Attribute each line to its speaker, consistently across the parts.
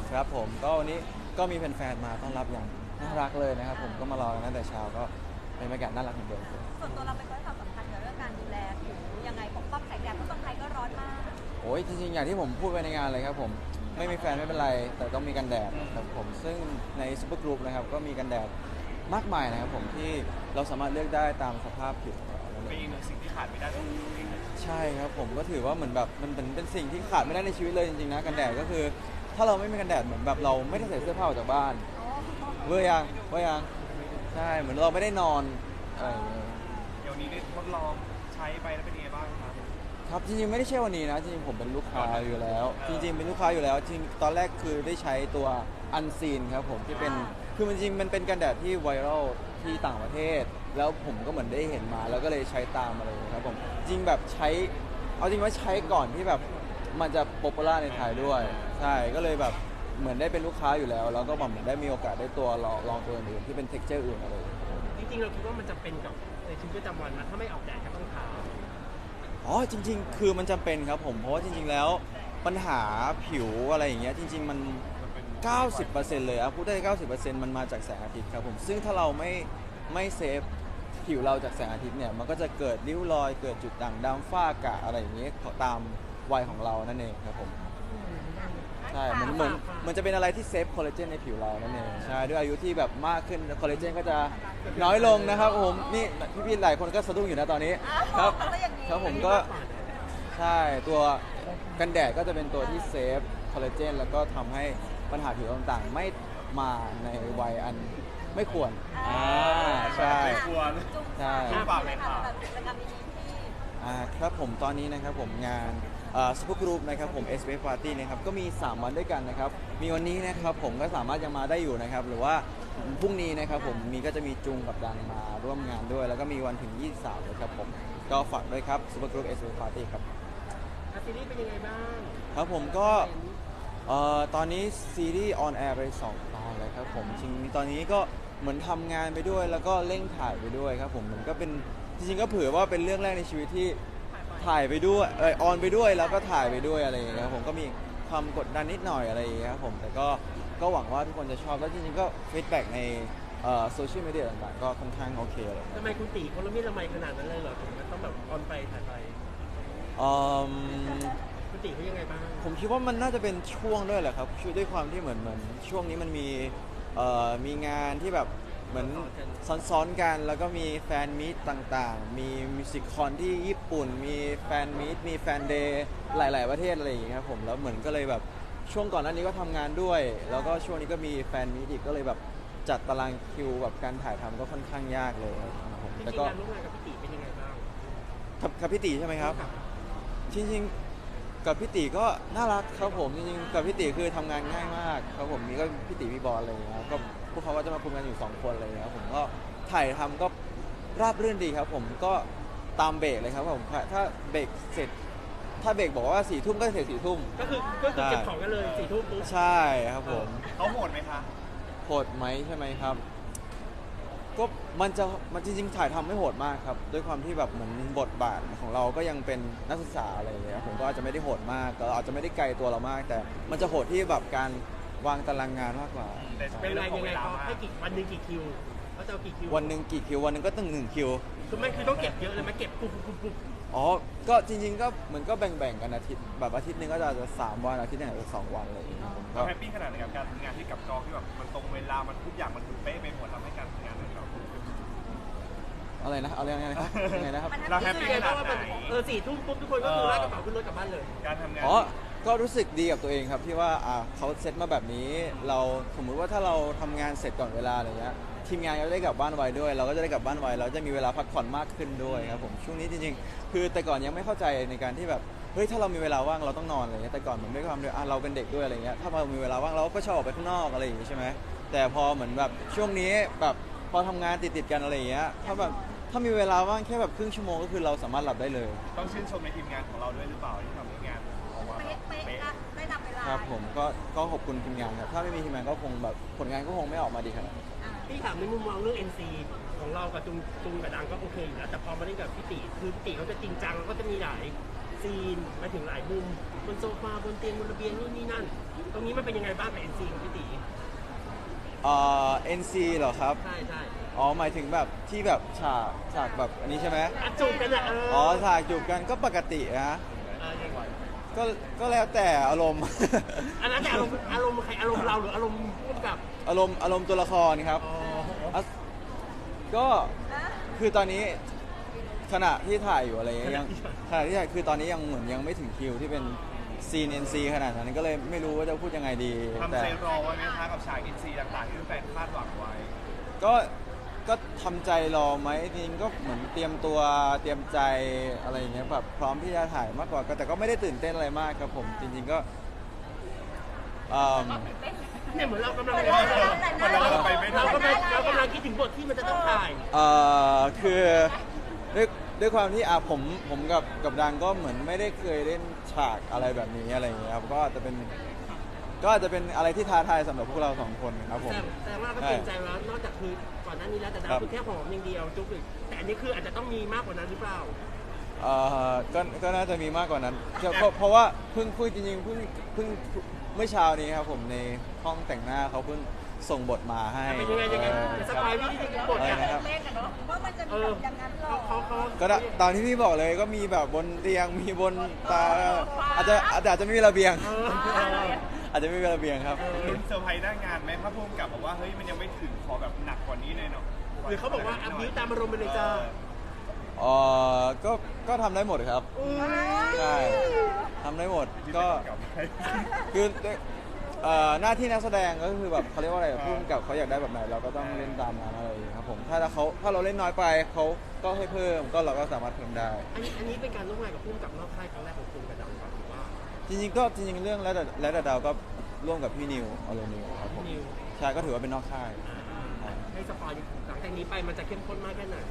Speaker 1: ครับผมก็วันนี้ก็มีแฟนๆมาต้อนรับอย่างน่ารักเลยนะครับผมก็มารอกันตั้งแต่เช้าก็เป็นบรรยากาศน่ารักเหมือนเดิม
Speaker 2: ส่วนตัวเราเป็นคนให้ความสำคัญกับเรื่องการดูแลผิวยังไงปกป้องแสงแดดเพราะเมืองไทยก็ร้อนมาก
Speaker 1: โอ้ยจริงๆอย่างที่ผมพูดไปในงานเลยครับผมไม่มีแฟนไม่เป็นไรแต่ต้องมีกันแดดครับผมซึ่งในซูเปอร์กรุ๊ปนะครับก็มีกันแดดมากมายนะครับผมที่เราสามารถเลือกได้ตามสภาพผิวของเรานั่น
Speaker 3: เป็น
Speaker 1: เอง
Speaker 3: อีกหนึ่งสิ่งที่ขาดไม่ได้ของตัวเองเลย
Speaker 1: ใช่ครับผมก็ถือว่าเหมือนแบบมันเป็นสิ่งที่ขาดไม่ได้ในชีวิตเลยจริงๆนะกันแดดก็คือถ้าเราไม่มีกันแดดเหมือนแบบเราไม่ได้ใส่เสื้อผ้าออกจากบ้านเบื่อยังใช่เหมือนเราไม่ได้นอนอะไรอย่างเงี้ย
Speaker 3: เดี๋ยวนี้ได้ทดลองใช้ไปแล้วเป็นยังไงบ้างครับ
Speaker 1: ครับจริงๆไม่ได้ใช่วันนี้นะจริงๆผมเป็นลูกค้าอยู่แล้วจริงๆเป็นลูกค้าอยู่แล้วจริงตอนแรกคือได้ใช้ตัวอันซีนครับผมที่เป็นคือมันจริงมันเป็นกันแดดที่ไวรัลที่ต่างประเทศแล้วผมก็เหมือนได้เห็นมาแล้วก็เลยใช้ตามมาเลยครับผมจริงแบบใช้เอาจริงว่าใช้ก่อนที่แบบมันจะป๊อปปูล่าในไทยด้วยใช่ก็เลยแบบเหมือนได้เป็นลูกค้าอยู่แล้วแล้วก็แบบเหมือนได้มีโอกาสได้ตัวลองตัวอื่นที่เป็นเท็กเจอร์อื่นอะไร
Speaker 4: จริงๆเราคิดว่ามันจะเป็นกับในชีวิตประจำวันนะถ้าไม่ออกแดดก็ต้องทา
Speaker 1: อ๋อจริงๆคือมันจำเป็นครับผมเพราะว่าจริงๆแล้วปัญหาผิวอะไรอย่างเงี้ยจริงๆมัน 90%เลยพูดได้90%มันมาจากแสงอาทิตย์ครับผมซึ่งถ้าเราไม่เซฟผิวเราจากแสงอาทิตย์เนี่ยมันก็จะเกิดริ้วรอยเกิดจุดด่างดำฝ้ากระอะไรอย่างเงี้ยตามวัยของเรานั่นเองครับผมใช่เหมือนจะเป็นอะไรที่เซฟคอลลาเจนในผิวเรานั่นเองใช่ด้วยอายุที่แบบมากขึ้นคอลลาเจนก็จะน้อยลงนะครับผมนี่พี่ๆหลายคนก็สะดุ้งอยู่นะตอนนี้ครับครับผมก็ใช่ตัวกันแดดก็จะเป็นตัวที่เซฟคอลลาเจนแล้วก็ทำให้ปัญหาผิวต่างๆไม่มาในวัยอันไม่ควรใช่
Speaker 3: ควร
Speaker 1: ใช่
Speaker 3: ฝากเลยค่ะ
Speaker 2: กิจกรรมดีๆที่
Speaker 1: ครับผมตอนนี้นะครับผมงานซูเปอร์กรุ๊ปนะครับผม s อ Party นะครับก็มี3วันด้วยกันนะครับมีวันนี้นะครับผมก็สามารถยังมาได้อยู่นะครับหรือว่าพรุ่งนี้นะครับผมก็จะมีจุงกับดังมาร่วมงานด้วยแล้วก็มีวันถึง23นะครับผมก็ฝากด้วยครับซูเปอร์กรุ๊ป s อ Party ครับ
Speaker 4: ซีรีส์เป็นยังไงบ้าง
Speaker 1: ครับผมก็ตอนนี้ซีรีส์ออนแอร์ไป2 ตอนเลยครับผมจริงตอนนี้ก็เหมือนทำงานไปด้วยแล้วก็เร่งถ่ายไปด้วยครับผมมันก็เป็นจริงๆก็เผื่อว่าเป็นเรื่องแรกในชีวิตที่ถ่ายไปด้วยออนไปด้วยแล้วก็ถ่ายไปด้วยอะไรอย่างเงี้ยครับผมก็มีความกดดันนิดหน่อยอะไรอย่างเงี้ยครับผมแต่ก็หวังว่าทุกคนจะชอบแล้วจริงๆก็ฟีดแบ็กในโซเชียลมีเดียต่างๆก็ค่อนข้างโอเคเลย
Speaker 4: ทำไมคุณตีคนละเมียละไมขนาดนั้นเลยเหรอถึงมันต้องแบบออนไปถ่ายไปคุณตีเขายังไงบ้าง
Speaker 1: ผมคิดว่ามันน่าจะเป็นช่วงด้วยแหละครับด้วยความที่เหมือนช่วงนี้มันมีงานที่แบบเหมือนซ้อนๆกันแล้วก็มีแฟนมีตต่างๆมีมิวสิคคอนที่ญี่ปุ่นมีแฟนมีตมีแฟนเดย์หลายๆประเทศอะไรอย่างเงี้ยครับผมแล้วเหมือนก็เลยแบบช่วงก่อนหน้านี้ก็ทำงานด้วยแล้วก็ช่วงนี้ก็มีแฟนมีตอีกก็เลยแบบจัดตารางคิวแบบการถ่ายทำก็ค่อนข้างยากเลยครับผม
Speaker 4: แต่ก็ร่วมงานกับพี่ตีเป็นยังไงบ้าง
Speaker 1: กับพี่ตีใช่ไหมครับจริงๆกับพี่ตีก็น่ารักครับผมจริงๆกับพี่ตีคือทำงานง่ายมากครับผมมีก็พี่ตีพี่บอลอะไรอย่างเงี้ยก็พวกเขาก็จะมาคุมกันอยู่2 คนอะไรอย่างเงี้ยผมก็ถ่ายทำก็ราบรื่นดีครับผมก็ตามเบรกเลยครับผมถ้าเบรกเสร็จถ้าเบรกบอกว่า4 ทุ่มก็เสร็จ4 ทุ่ม
Speaker 4: ก็คือเก็บของกันเลย4 ทุ่มปุ๊บ
Speaker 1: ใช่ครับผม
Speaker 3: เขาโหดไหมคะ
Speaker 1: โหดไหมใช่ไหมครับก็มันจริงๆถ่ายทำไม่โหดมากครับด้วยความที่แบบเหมือนบทบาทของเราก็ยังเป็นนักศึกษาอะไรอย่างเงี้ยผมก็อาจจะไม่ได้โหดมากก็อาจจะไม่ได้ไกลตัวเรามาก แต่มันจะโหดที่แบบการวางตารางงานมากกว่า
Speaker 4: เป็นไรยังไงเขาให้วันหนึ่งกี่คิวเขาจะเอากี่คิว
Speaker 1: วันหนึ่งกี่คิววันหนึ่งก็ต้อง1 คิว
Speaker 4: คือไม่คือต้องเก็บเยอะเลยไหมเก็บปุ๊บ
Speaker 1: อ๋อก็จริงๆก็เหมือนก็แบ่งกันอาทิตย์แบบอาทิตย์นึงก็จะ3 วันอาทิตย์นึงอาจจะ2 วันเลย
Speaker 3: เราแฮปปี้ขนาดไหนกับการทำงานที่กับกองที่แบบมันตรงเวลามันทุกอย่างมันถูกเป๊ะไปหมดทำให้การทำงานของเรา
Speaker 1: อะไรนะเอาเรื่องไงนะครับยังไงนะครับ
Speaker 3: เราแฮปปี้ขนาดไหน
Speaker 4: 4 ทุ่มปุ๊บทุกคนก็คือลากกระเป๋าขึ้นรถกลับบ้านเลย
Speaker 3: การทำงาน
Speaker 1: ก็รู้สึกดีกับตัวเองครับที่ว่าเขาเซตมาแบบนี้เราสมมุติว่าถ้าเราทำงานเสร็จก่อนเวลาอะไรเงี้ยทีมงานก็ได้กลับบ้านไวด้วยเราก็จะได้กลับบ้านไวเราจะมีเวลาพักผ่อนมากขึ้นด้วยครับผมช่วงนี้จริงๆคือแต่ก่อนยังไม่เข้าใจในการที่แบบเฮ้ยถ้าเรามีเวลาว่างเราต้องนอนอะไรเงี้ยแต่ก่อนเหมือนด้วยความที่เราเป็นเด็กด้วยอะไรเงี้ยถ้าเรามีเวลาว่างเราก็ชอบออกไปข้างนอกอะไรอย่างงี้ใช่ไหมแต่พอเหมือนแบบช่วงนี้แบบพอทำงานติดกันอะไรเงี้ยถ้ามีเวลาว่างแค่แบบครึ่งชั่วโมงก็คือเราสามารถหลับได้เลย
Speaker 3: ต้องชื่นชมในทีมงานของเราด้วยหรือเปล่าที่ทำให้งานออกมา
Speaker 2: เป๊ะได้ตามเวลา
Speaker 1: ครับผมก็ขอบคุณทีมงานครับถ้าไม่มีทีมงานก็คงแบบผลงานก็คงไม่ออกมาดีขนาดนี้
Speaker 4: พี่ถามในมุมมองเรื่อง NC ของเรากับจุงกับดังก็โอเคอยู่แล้วแต่พอมาเล่นกับพี่ตีคือพี่ตีเขาจะจริงจังแล้วก็จะมีหลายซีนมาถึงหลายมุมบนโซฟาบนเตียงบนระเบียงนู่นนี่นั่น ตรงนี้มันเป็นยังไงบ้างกับเอ็นซีของพี่ตี
Speaker 1: NC เหรอครับ
Speaker 4: ใช่ใช่
Speaker 1: อ๋อหมายถึงแบบที่แบบฉากแบบอันนี้ใช่ไหม
Speaker 4: อ่ะจูบกันอ่ะ
Speaker 1: อ๋อฉากจูบกันก็ปกตินะ
Speaker 4: ยังไง
Speaker 1: ก็แล้วแต่อารมณ์
Speaker 4: อันนั้นแต่อารมณ์ใครอารมณ์เราหรืออารมณ์ร่วมกับ
Speaker 1: อารมณ์ตัวละครครับ
Speaker 4: อ๋อ
Speaker 1: ก็
Speaker 2: นะ
Speaker 1: คือตอนนี้ขณะที่ถ่ายอยู่อะไรเงี้ยยังขณะที่ถ่ายคือตอนนี้ยังเหมือนยังไม่ถึงคิวที่เป็นซีน NC ขนาดนั้นก็เลยไม่รู้ว่าจะพูดยังไงดี
Speaker 3: ทำ
Speaker 1: แต่
Speaker 3: ใจรอไว้ไหมคะกับฉากอินซีต่างๆที่แฟนคาดหวังไว้
Speaker 1: ก็ทำใจรอไหมจริงๆก็เหมือนเตรียมตัวเตรียมใจอะไรอย่างเงี้ยแบบพร้อมที่จะถ่ายมากกว่าแต่ก็ไม่ได้ตื่นเต้นอะไรมากครับผมจริงๆก็
Speaker 4: เนี่ยเหมือนเรากำลัง
Speaker 3: เรากำลัง
Speaker 4: คิดถึงบทที่มันจะต้องถ่าย
Speaker 1: คือด้วยความที่ผมกับดังก็เหมือนไม่ได้เคยเล่นฉากอะไรแบบนี้อะไรอย่างเงี้ยครับก็อาจจะเป็นอะไรที่ท้าทายสำหรับพวกเราสองคนครับผม
Speaker 4: แต่ว่าก็เกรงใจแล้วนอกจากคือก่อนหน้านี้แล้วแต่ดาวคือแค่หอมอย่างเดียวจุ๊บอีกแต่อันนี้คืออาจจะต้องมีมากกว่านั้นหรือเปล่า
Speaker 1: ก็น่าจะมีมากกว่านั้นเพราะว่าเพิ่งจริงๆเพิ่งเมื่อเช้านี้ครับผมในห้องแต่งหน้าเขาเพิ่งส่งบทมาให้
Speaker 4: เป็นยังไงสปายพี่ที่บท
Speaker 1: อะไร
Speaker 4: เนี่ย
Speaker 1: นะครับ
Speaker 2: เล่นกันเนาะว่ามันจะมีแบบอย่างนั้นหรอ
Speaker 4: เขา
Speaker 1: ก็ตอนที่พี่บอกเลยก็มีแบบบนเตียงมีบนตาอาจจะไม่มีระเบียง อาจจะไม่มีระเบียงครับ
Speaker 3: ลุ้นเซอร์ไพรส์หน้างานไหมถ้าพุ่มกับบอกว่าเฮ้ยมันยังไม่ถึงขอแบบหนักกว่านี้เลยเนาะ
Speaker 4: หรือเขาบอกว่าอัพนิ้วตามอารมณ์ไปเลยจ้า
Speaker 1: ก็ทำได้หมดครับใช่ทำได้หมดก็คือหน้าที่นักแสดงก็คือแบบเขาเรียกว่าอะไรพุ่มกับเขาอยากได้แบบไหนเราก็ต้องเล่นตามนั้นอะไรอย่างเงี้ยครับผมถ้าเราเล่นน้อยไปเขาก็ให้เพิ่มก็เราก็สามารถเพิ่มได้
Speaker 4: อันนี้เป็นการร่วมงานกับพุ่มกับนอกค่ายครั้งแรกของคุณกับดาวหรือว่า
Speaker 1: จริงๆเรื่องและดาวก็ร่วมกับพี่นิวอโลนิวครับผม
Speaker 4: นิว
Speaker 1: ใช่ก็ถือว่าเป็นนอกค่าย
Speaker 4: ให้สปอยหลังจากนี้ไปมันจะเข้มข้นมากแค่ไหน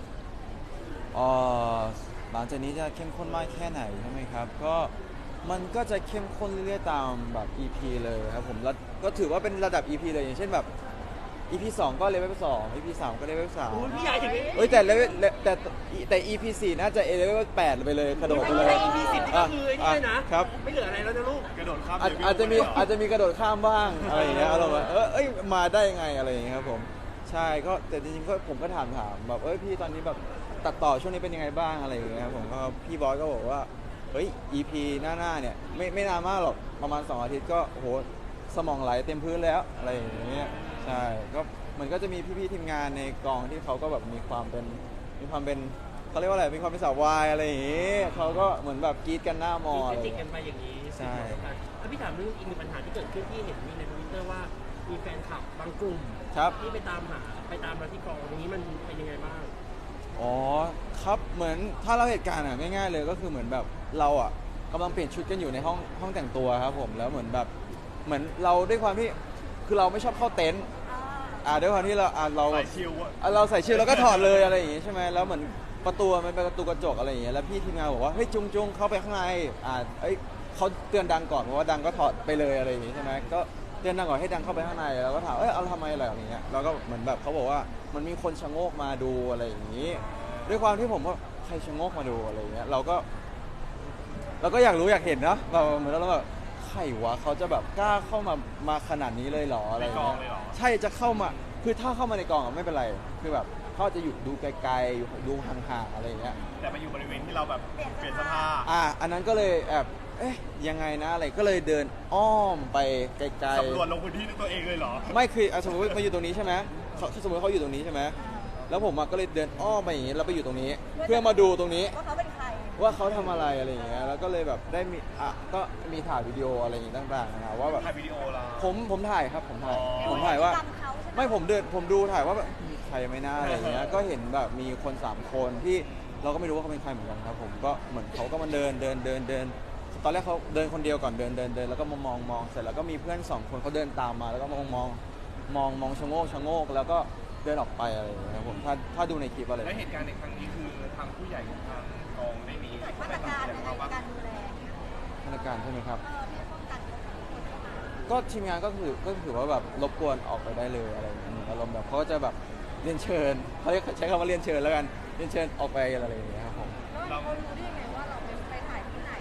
Speaker 1: หลังจากนี้จะเข้มข้นมากแค่ไหนใช่ไหมครับก็มันก็จะเข้มข้นเรื่อยๆตามแบบ EP เลยครับผมแล้วก็ถือว่าเป็นระดับ EP เลยอย่างเช่นแบบ EP 2 ก็เลเวล2 EP 3 ก็เลเวล
Speaker 4: โอ้ยพี่
Speaker 1: 3
Speaker 4: ใหญ่ถึง
Speaker 1: เอ้ยแต่ EP 4 น่าจะเลเวล8ไปเลยกระโดดไปเลย
Speaker 4: EP 10นี่ก็คือไอ้นี่เลยนะครับ ไม่เหลืออะไรแล้วนะลูก
Speaker 3: กระโดดข้าม
Speaker 1: อาจจะมีกระโดดข้ามบ้างอะไรอย่างเงี้ยอารมณ์แบบเอ้ยมาได้ยังไงอะไรอย่างเงี้ยครับผมใช่ก็แต่จริงๆก็ผมก็ถามแบบพี่ตอนนี้แบบตัดต่อช่วงนี้เป็นยังไงบ้างอะไรอย่างเงี้ยครับผมก็พี่บอยก็บอกว่าเฮ้ย EP หน้าเนี่ยไม่นานมากหรอกประมาณ2 อาทิตย์ก็โหสมองไหลเต็มพื้นแล้วอะไรอย่างเงี้ยใช่ก็มันก็จะมีพี่ๆทีมงานในกองที่เขาก็แบบมีความเป็นเขาเรียกว่าอะไรมีความเป็นสาววายอะไรอย่างงี้เขาก็เหมือนแบบกรี๊ดกันหน้ามออะไร
Speaker 4: จิกกันไปอย่างนี้
Speaker 1: ใช่
Speaker 4: แล้วพี่ถามเรื่องอีกหนึ่งปัญหาที่เกิดขึ้นที่เห็นมีในทวิตเตอร์ว่ามีแฟนคลับบางกลุ่ม
Speaker 1: ครับ
Speaker 4: ที่ไปตามเราที่กองอย่างนี้มันเป็นยังไงบ้าง
Speaker 1: อ๋อครับเหมือนถ้าเราเหตุการณ์ง่ายๆเลยก็คือเหมือนแบบเรากำลังเปลี่ยนชุดกันอยู่ในห้องแต่งตัวครับผมแล้วเหมือนเราด้วยความที่คือเราไม่ชอบเข้าเต็นท์ด้วยความที่เราเรา
Speaker 3: ใส่ชิลอะ
Speaker 1: เราใส่ชิลแล้วก็ถอดเลยอะไรอย่างงี้ใช่ไหมแล้วเหมือนประตูมันเป็นประตูกระจกอะไรอย่างเงี้ยแล้วพี่ทีมงานบอกว่าเฮ้ยจุงเข้าไปข้างในเขาเตือนดังก่อนเพราะว่าดังก็ถอดไปเลยอะไรอย่างงี้ใช่ไหมก็เตือนดังก่อนให้ดังเข้าไปข้างในแล้วก็ถามเอาทำไมอะไรอย่างเงี้ยแล้วก็เหมือนแบบเขาบอกว่ามันมีคนชะโงกมาดูอะไรอย่างงี้ ด้วยความที่ผมว่าใครชะโงกมาดูอะไรอย่างเงี้ยเราก็อยากรู้อยากเห็นนะเราเหมือนเราแบบใครวะเขาจะแบบกล้าเข้ามาขนาดนี้เลยเหรออะไรอย่างเงี้ยใช่จะเข้ามาคือถ้าเข้ามาในกองไม่เป็นไรคือแบบเขาจะอยู่ดูไกลๆอยู่ดูห่างๆอะไรอย่างเงี้ย
Speaker 3: แต่มาอยู่บริเวณที่เราแบบเปลี่ยนเสื้อผ้า
Speaker 1: อันนั้นก็เลยแอบยังไงนะอะไรก็เลยเดินอ้อมไปไกลๆ
Speaker 3: สำรวจลงพื้นที่ด้วยตัวเองเลยเหรอ
Speaker 1: ไม่คือสมมติมาอยู่ตรงนี้ใช่ไหมสมมติเขาอยู่ตรงนี้ใช่ไหมแล้วผมก็เลยเดินอ้อมไปอย่างนี้แล้วไปอยู่ตรงนี้ เพื่อมาดูตรงนี้
Speaker 2: ว่าเขาเป็นใคร
Speaker 1: ว่าเขาทำอะไรอะไรอย่างเงี้ยแล้วก็เลยแบบได้มีก็มีถ่ายวิดีโออะไรอย่างงี้ต่างๆนะว่าแบบ
Speaker 3: ถ่ายวิดีโอเรา
Speaker 1: ผมถ่ายครับผมถ่าย
Speaker 3: อ๋อ
Speaker 1: ผมถ่ายว่า
Speaker 2: จำเขาใช่ไหม
Speaker 1: ไม่ผมดูถ่ายว่าแบบมีใครไหม่น่าอะไรอย่างเงี้ยก็เห็นแบบมีคน3 คนที่เราก็ไม่รู้ว่าเขาเป็นใครเหมือนกันครับผมก็เหมือนเขาก็มาเดินตอนแรกเขาเดินคนเดียวก่อนเดินแล้วก็มองเสร็จแล้วก็มีเพื่อน2 คนเขาเดินตามมาแล้วก็มองชะโงกแล้วก็เดินออกไปอะไรอย่างเงี้ยครับผมถ้าดูในคลิปอะไร
Speaker 3: และเหตุการณ์ในครั้งนี้คือทางผู้ใหญ่ของทางกองได้มี
Speaker 2: มาตรการในการดูแล
Speaker 1: มาตรการใช่ไหมครับ
Speaker 2: ที่ป้องกันคนเข้ามา
Speaker 1: ก็ทีมงานก็ถือว่าแบบรบกวนออกไปได้เลยอะไรอย่างเงี้ยอารมณ์แบบเขาก็จะแบบเรียนเชิญเขาใช้คำว่าเรียนเชิญแล้วกันเรียนเชิญออกไปอะไรอย่างเงี้ยครับผม
Speaker 2: แล้วเขารู้ได้ยังไงว่าเราไปถ่ายที่ไหน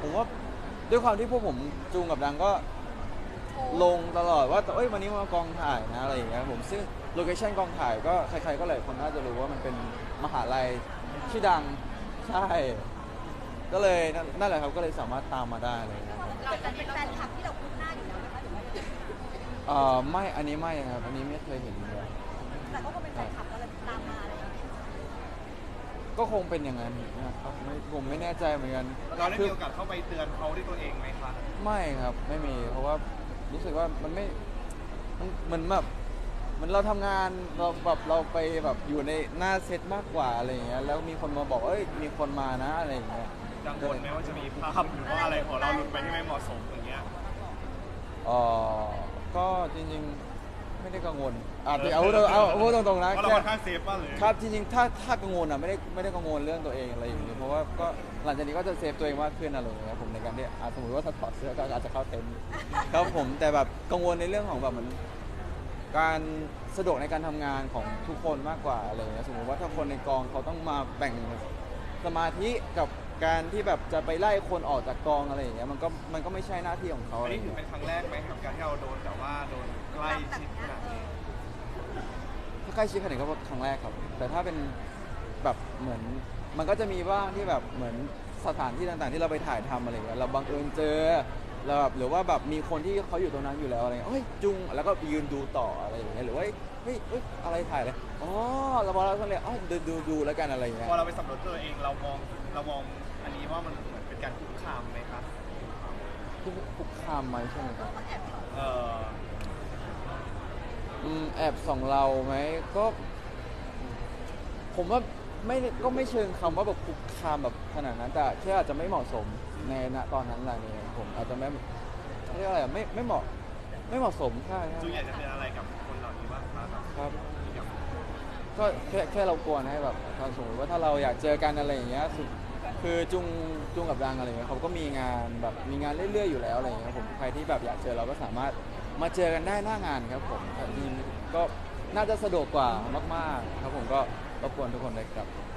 Speaker 1: ผมว่าด้วยความที่พวกผมจูงกับดังก็ลงตลอดว่าเอ้ยวันนี้มากองถ่ายนะอะไรอย่างเงี้ยครับผมซึ่งโลเคชั่นกองถ่ายก็ใครๆก็หลายคนน่าจะรู้ว่ามันเป็นมหาลัยชื่อดังใช่ก็เลยนั่นแหละครับก็เลยสามารถตามมาได้เลยครับผม
Speaker 2: เราจะเป็นแฟนคลับที่เราคุ้นหน้าอยู่แล้วนะคะหรือว่ายังไง
Speaker 1: ไม่อันนี้ไม่ครับอันนี้ไม่เคยเห็นเลย
Speaker 2: แต่ก็เป็นแฟนคลับก็เลยตามมาอะไรอย่างเงี้ย
Speaker 1: ก็คงเป็นอย่างนั้นนะครับผมไม่แน่ใจเหมือนกัน
Speaker 3: เราได้มีโอกาสเข้าไปเตือนเขาด้วยตัวเองไหมคะ
Speaker 1: ไม่ครับไม่มีเพราะว่ารู้สึกว่ามันไม่มันเหมือนแบบเหมันเราทำงานเราไปแบบอยู่ในหน้าเซตมากกว่าอะไรอย่างเงี้ยแล้วมีคนมาบอกเอ้ยมีคนมานะอะไรอย่างเงี้ย
Speaker 3: กังวลไหมว่าจะมีภาพหรือว่าอะไรของเราหลุดไปที่ไม่เหมาะสมอย่างเงี้ย
Speaker 1: เอ่อก็จริงๆไม่ได้กังวลเอาพูดตรงๆนะ
Speaker 3: เพราะเราค่อนข้างเซฟมากเลย
Speaker 1: ครับจริงๆถ้ากังวลอ่ะไม่ได้กังวลเรื่องตัวเองอะไรอย่างเงี้ยเพราะว่าก็หลังจากนี้ก็จะเซฟตัวเองมากขึ้นอะไรอย่างเงี้ยผมในการที่สมมติว่าถ้าถอดเสื้อก็อาจจะเข้าเต็นท์ครับผมแต่แบบกังวลในเรื่องของแบบเหมือนการสะดวกในการทำงานของทุกคนมากกว่าอะไรอย่างเงี้ยสมมติว่าถ้าคนในกองเขาต้องมาแบ่งสมาธิกับการที่แบบจะไปไล่คนออกจากกองอะไรอย่างเงี้ยมันก็ไม่ใช่หน้าที่ของเขา
Speaker 3: อั
Speaker 1: อะ
Speaker 3: น
Speaker 1: ไรอ
Speaker 3: นี้
Speaker 1: ย่าง
Speaker 3: ถือ
Speaker 1: เงี้ย
Speaker 3: เป็นครั้งแรกไหมกับการที่เราโดนแต่ว่าโดนใกล้ชิดขนาดนี้
Speaker 1: ถ้าใกล้ชิดขนาดนี้ก็ครั้งแรกครับ แต่ถ้าเป็นแบบเหมือนมันก็จะมีบ้างที่แบบเหมือนสถานที่ต่างๆ ที่เราไปถ่ายทำอะไรอย่างเงี้ยเราบังเอิญเจอเราแบบหรือว่าแบบมีคนที่เขาอยู่ตรงนั้นอยู่แล้วอะไรเงี้ยเฮ้ยจุงแล้วก็ยืนดูต่ออะไรอย่างเงี้ยหรือว่าเฮ้ยอะไรถ่ายเลยอ๋อเราพอเราก็เลยอ๋อดูแล้วกันอะไรอย่างเงี้ย
Speaker 3: พอเราไปสำรวจตัวเองเรามองอันนี้ว่ามันเหมือนเป็นการคุกคามไหมครับ
Speaker 1: คุกคามไหมใช่ไหมครับ
Speaker 3: เออ
Speaker 1: แอบส่องเราไหมก็ ผมว่าไม่เชิงคำว่าแบบคุกคามแบบขนาดนั้นแต่แค่อาจจะไม่เหมาะสมในณตอนนั้นอะไรเนี่ยผมอาจจะไม่เรียกอะไรอะไม่เหมาะสมใช่
Speaker 3: จูอยากจะเป็นอะไรกับคนเหล่านี้บ้างครับ
Speaker 1: ครับก็แค่เรากลัวให้แบบถ้าสมมติว่าถ้าเราอยากเจอกันอะไรอย่างเงี้ยคือจุงกับดังอะไรเงี้ยเขาก็มีงานแบบมีงานเรื่อยๆอยู่แล้วอะไรเงี้ยผมใครที่แบบอยากเจอเราก็สามารถมาเจอกันได้หน้างานครับผมก็น่าจะสะดวกกว่ามากๆครับผมก็รบกวนทุกคนเลยครับ